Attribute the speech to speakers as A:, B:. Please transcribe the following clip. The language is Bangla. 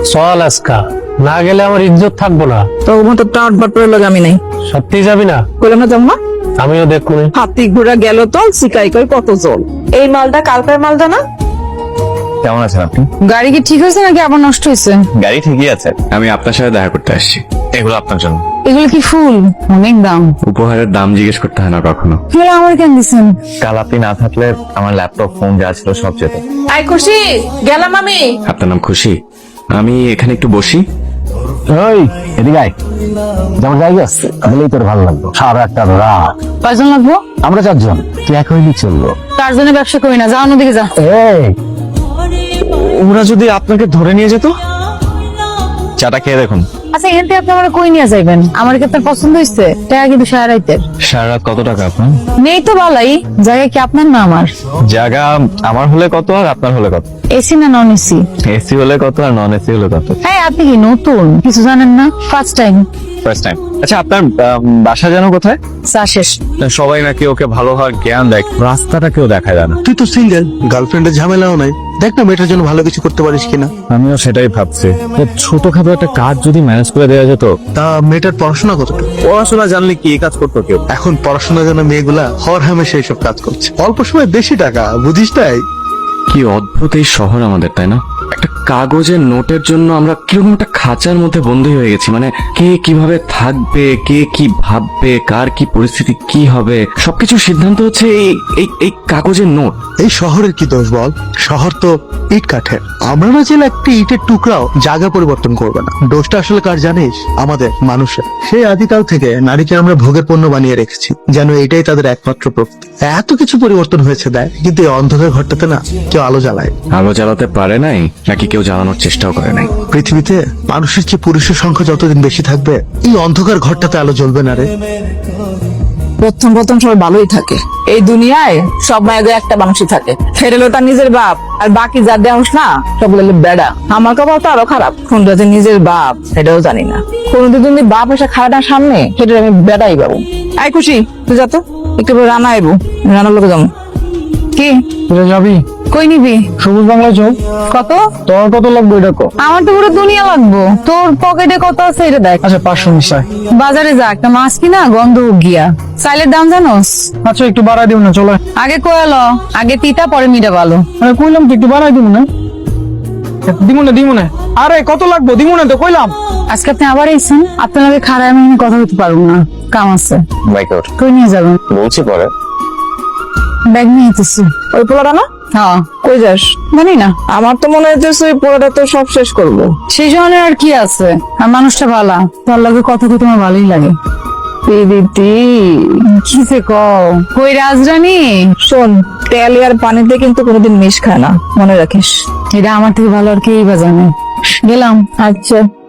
A: চল আজকা, না গেলে আমার ইজ্জত থাকবো না।
B: তো মতো টাট বাটপার লাগে আমি নাই।
A: সত্যি যাবি না?
B: কইলাম না যাবো না।
A: আমিও দেখবো।
B: হাতি ঘোড়া গেল তো শিকাই কই কত জল। এই মালটা কালকের মালটা না?
C: কেমন আছেন আপনি?
B: গাড়ি কি ঠিক হয়েছে নাকি আবার নষ্ট হয়েছে?
C: গাড়ি ঠিকই আছে। আমি আপনার সাথে দেখা করতে আসছি। এগুলো আপনার জন্য।
B: এগুলো কি ফুল? অনেক দাম।
C: উপহারের দাম জিজ্ঞেস করতে হয় না কখনো।
B: এগুলো আমার কেন দিছেন?
C: কাল আপনি না থাকলে আমার ল্যাপটপ ফোন যা ছিল সব যেত।
B: আই খুশি গেলাম আমি।
C: আপনার নাম খুশি? আমি এখানে একটু বসি।
A: ওই এদিকে আয়, যেমন জায়গা আছে বলেই তোর ভালো লাগলো। সারা একটা রাত।
B: কয়জন লাগবো?
A: আমরা 4 জন, তুই এক হইলি চললো।
B: 4 জনের ব্যবসা করি না, যাও অন্যদিকে যা।
A: এই
C: ওরা যদি আপনাকে ধরে নিয়ে যেত? চাটা খেয়ে দেখুন।
B: আচ্ছা এখান থেকে আপনি আমার কই নিয়ে যাইবেন? আমার কি আপনার পছন্দ হয়েছে? টাকা কিন্তু সারাইতে
C: সারা রাত কত টাকা আপনার?
B: নেই তো বালাই। জায়গা কি আপনার না আমার?
C: জায়গা আমার হলে কত আর আপনার হলে কত?
B: এসি না নন এসি?
C: এসি হলে কত আর নন এসি হলে কত?
B: হ্যাঁ আপনি কি নতুন কিছু জানেন না? First time.
C: First time. আচ্ছা আপনার বাসা যেন কোথায়?
B: চা শেষ।
C: সবাই নাকি ওকে ভালো হওয়ার জ্ঞান দেয়, রাস্তাটা কেউ দেখায় না।
D: তুই তো সিঙ্গেল, গার্লফ্রেন্ডের ঝামেলাও নাই। দেখ না মেয়েটার জন্য ভালো কিছু করতে পারিস কিনা।
C: আমিও সেটাই ভাবছি, ছোটখাটো একটা কাজ যদি ম্যানেজ করে দেওয়া যেত।
D: তা মেয়েটার পড়াশোনা কতটুকু?
C: পড়াশোনা জানলে কি এই কাজ করতো কেউ?
D: এখন পড়াশোনা জানা মেয়েগুলা হর হামেশা এইসব কাজ করছে, অল্প সময় বেশি টাকা, বুঝিস তাই।
C: কি অদ্ভুত এই শহর আমাদের, তাই না? একটা কাগজের নোটের জন্য আমরা কিরকম একটা খাঁচার মধ্যে বন্দী হয়ে গেছি। মানে কে কিভাবে থাকবে, কে কি ভাববে, কার কি পরিস্থিতি কি হবে, সবকিছু সিদ্ধান্ত হচ্ছে এই কাগজের নোট।
D: এই শহরের কি দোষ বল? শহর তো ইট কাঠের। আমরা না চাইলে একটি ইটের টুকরাও জায়গা পরিবর্তন করবে না। দোষটা আসলে কার জানিস? আমাদের মানুষের। সেই আদিকাল থেকে নারীকে আমরা ভোগের পণ্য বানিয়ে রেখেছি, যেন এটাই তাদের একমাত্র প্রকৃতি। এত কিছু পরিবর্তন হয়েছে দেয়, কিন্তু এই অন্ধকার ঘরটাতে না কেউ আলো জ্বালায়।
C: আলো জ্বালাতে পারে নাই, নাকি কেউ জ্বালানোর চেষ্টাও করে নাই?
D: পৃথিবীতে মানুষের চেয়ে পুরুষের সংখ্যা যতদিন বেশি থাকবে, এই অন্ধকার ঘরটাতে আলো জ্বলবে না রে।
B: প্রথম সবাই ভালোই থাকে। এই দুনিয়ায় সব মায়েদের একটা মানুষই থাকে, সেটা হলো তার নিজের বাপ। আর বাকি যা দেওস না সবগুলো হলো বেড়া। আমার কপাল তো আরো খারাপ, কোনটা যে নিজের বাপ সেটাও জানি না। কোনদিন যদি বাপ এসে খায় না সামনে, সেটা আমি বেড়াই পাবো। আই খুশি তুই যা তো, একটু পরে রান্না আইবো, রান্নার লোকে যাবো। কি
A: তুই যাবি?
B: কই নিবি?
A: সবুজ বাংলা চল।
B: কত?
A: তোর কত লাগবে এটা কো?
B: আমার তো পুরো দুনিয়া লাগবো। তোর পকেটে কত আছে এটা দেখ।
A: আচ্ছা 500 মিশাই।
B: বাজারে যা, একটা মাছ কিনা গন্ধ গিয়া। চাইলের দাম জানোস?
A: আচ্ছা একটু বাড়াই দিব না, চলে।
B: আগে কয়ালো, আগে তিতা পরে মিঠা ভালো।
A: আরে কইলাম তো একটু বাড়াই দিব না। দিব না। আরে কত লাগবে? দিব না তো কইলাম।
B: আজকে আপনি আবার এসেছেন, আপনার লগে খারাপ আমি এখানে কথা বলতে পারবো না, কাম আছে।
C: বাইক আউট
B: কই নিয়ে যাবেন?
C: বলছি পরে।
B: ব্যাগ নিয়ে যেতেছি। ওই পোলাটা না? হ্যাঁ। কই যাস? জানি না, আমার তো মনে হচ্ছে ওই পোলাটা তো সব শেষ করবো। সেই জন্য আর কি আছে, আর মানুষটা ভালো, তার লগে কথা তো তোমার ভালোই লাগে। দিদি কিসে কও? কই রাজরানী, শোন, তেল আর পানিতে কিন্তু কোনোদিন মিশ খায় না, মনে রাখিস। এটা আমার থেকে ভালো আর কেই বা জানে। গেলাম। আচ্ছা।